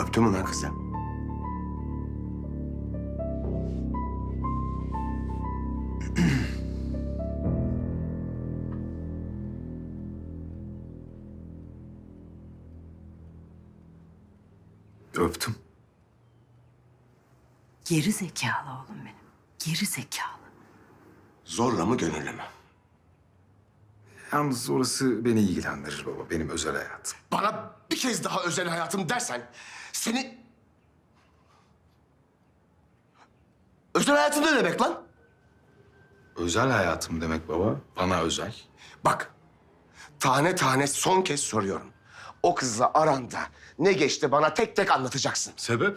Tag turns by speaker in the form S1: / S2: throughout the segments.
S1: Öptün mü lan kızı?
S2: Öptüm.
S3: Geri zekalı oğlum benim. Geri zekalı.
S1: Zorla mı gönüllü mü?
S2: Yalnız orası beni ilgilendirir baba. Benim özel hayatım.
S1: Bana bir kez daha özel hayatım dersen seni... Özel hayatım ne demek lan?
S2: Özel hayatım demek baba. Bana özel.
S1: Bak, tane tane son kez soruyorum. O kızla aranda ne geçti bana tek tek anlatacaksın.
S2: Sebep?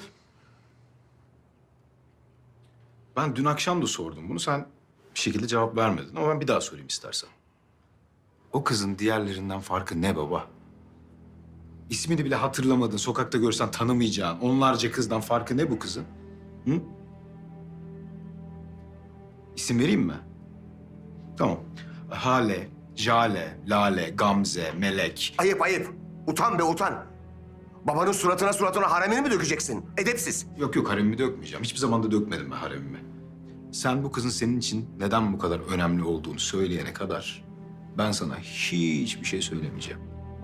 S2: Ben dün akşam da sordum bunu. Sen bir şekilde cevap vermedin ama ben bir daha sorayım istersen. O kızın diğerlerinden farkı ne baba? İsmini bile hatırlamadın, sokakta görsen tanımayacağın onlarca kızdan farkı ne bu kızın? Hı? İsim vereyim mi? Tamam. Hale, Jale, Lale, Gamze, Melek.
S1: Ayıp ayıp. Utan be utan. Babanın suratına haremini mi dökeceksin? Edepsiz.
S2: Yok haremimi dökmeyeceğim. Hiçbir zaman da dökmedim ben haremimi. Sen bu kızın senin için neden bu kadar önemli olduğunu söyleyene kadar ben sana hiçbir şey söylemeyeceğim.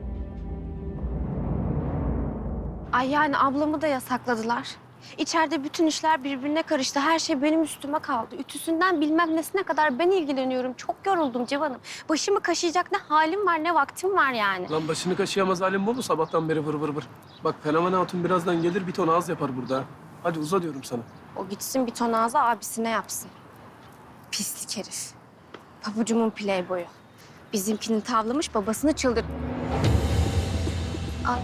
S4: Ay yani ablamı da yasakladılar. İçeride bütün işler birbirine karıştı. Her şey benim üstüme kaldı. Ütüsünden bilmem nesine kadar ben ilgileniyorum. Çok yoruldum Civan'ım. Başımı kaşıyacak ne halim var ne vaktim var yani.
S5: Lan başını kaşıyamaz halim bu mu sabahtan beri vır vır vır? Bak Fenomen Hatun birazdan gelir bir ton ağız yapar burada. Hadi uza diyorum sana.
S4: O gitsin bir ton ağza abisine yapsın. Pislik herif. Pabucumun playboyu. Bizimkini tavlamış babasını çıldır... Ay.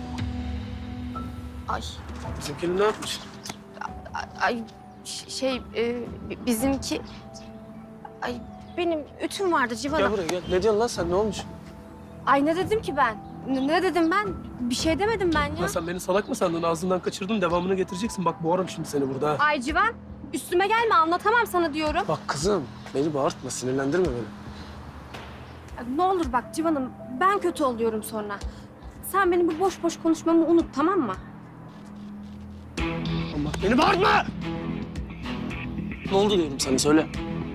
S4: Ay.
S5: Bizimkini ne yapmış?
S4: Ay bizimki... Ay benim ütüm vardı Civan'ım.
S5: Gel buraya gel. Ne diyorsun lan sen ne olmuş?
S4: Ay ne dedim ki ben? Ne dedim ben? Bir şey demedim ben ya.
S5: Ya sen beni salak mı sandın? Ağzından kaçırdın devamını getireceksin. Bak boğarım şimdi seni burada. Ha.
S4: Ay Civan üstüme gelme anlatamam sana diyorum.
S5: Bak kızım beni bağırtma sinirlendirme beni.
S4: Ne olur bak Civan'ım ben kötü oluyorum sonra. Sen benim bu boş boş konuşmamı unut tamam mı?
S5: Allah beni bağırtma! Ne oldu diyorum sana söyle.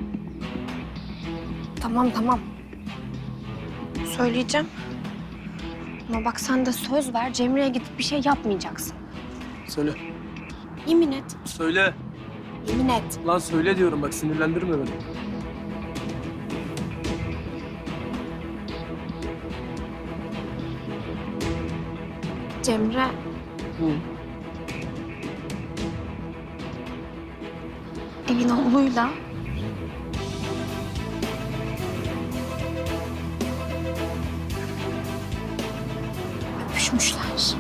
S4: Tamam. Söyleyeceğim. Ama bak sen de söz ver Cemre'ye gidip bir şey yapmayacaksın.
S5: Söyle.
S4: Yemin et.
S5: Söyle.
S4: Yemin et.
S5: Lan söyle diyorum bak sinirlendirme beni.
S4: Cemre
S5: Hı.
S4: evin oğluyla öpüşmüşler.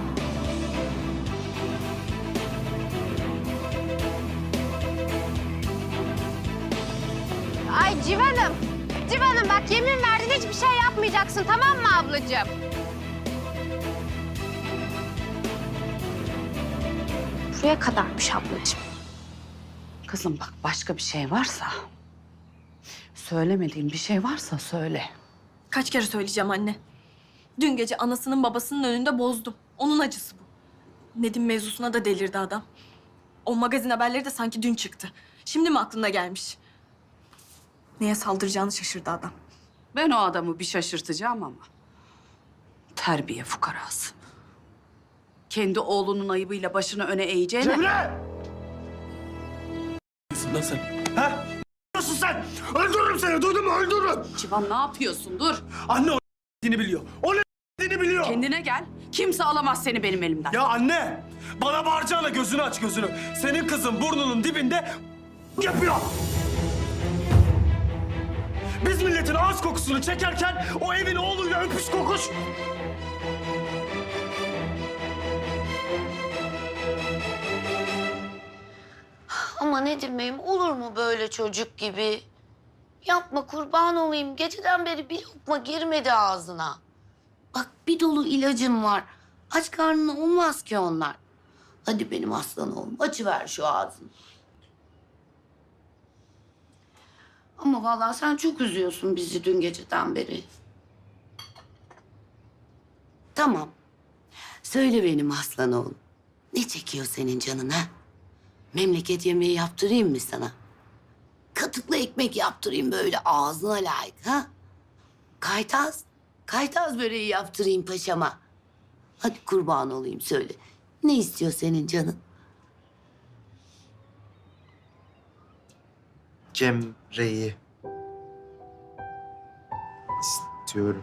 S4: Ay Civan'ım. Civan'ım bak yemin verdin hiçbir şey yapmayacaksın tamam mı ablacığım? Buraya kadarmış ablacığım.
S3: Kızım bak başka bir şey varsa... Söylemediğim bir şey varsa söyle.
S6: Kaç kere söyleyeceğim anne. Dün gece anasının babasının önünde bozdum. Onun acısı bu. Nedim mevzusuna da delirdi adam. O magazin haberleri de sanki dün çıktı. Şimdi mi aklına gelmiş? Neye saldıracağını şaşırdı adam.
S3: Ben o adamı bir şaşırtacağım ama... Terbiye fukarası. Kendi oğlunun ayıbıyla başını öne eğeceğine...
S1: Cemre!
S5: Lan sen.
S1: Ha? Ne diyorsun sen? Öldürürüm seni, duydun mu? Öldürürüm.
S3: Civan ne yapıyorsun? Dur.
S7: Anne o biliyor. O ne biliyor.
S3: Kendine gel. Kimse alamaz seni benim elimden.
S7: Ya anne, bana bağıracağına gözünü aç gözünü. Senin kızın burnunun dibinde yapıyor. Biz milletin ağız kokusunu çekerken o evin oğluyla öpüş kokuş.
S8: Ama Nedim Bey'im olur mu böyle çocuk gibi? Yapma kurban olayım. Geceden beri bir lokma girmedi ağzına. Bak bir dolu ilacım var. Aç karnına olmaz ki onlar. Hadi benim aslan oğlum açıver şu ağzını. Ama vallahi sen çok üzüyorsun bizi dün geceden beri. Tamam. Söyle benim aslan oğlum. Ne çekiyor senin canın ha? Memleket yemeği yaptırayım mı sana? Katıklı ekmek yaptırayım böyle ağzına layık ha? Kaytaz böreği yaptırayım paşama. Hadi kurban olayım söyle. Ne istiyor senin canın?
S9: Cemre'yi istiyorum.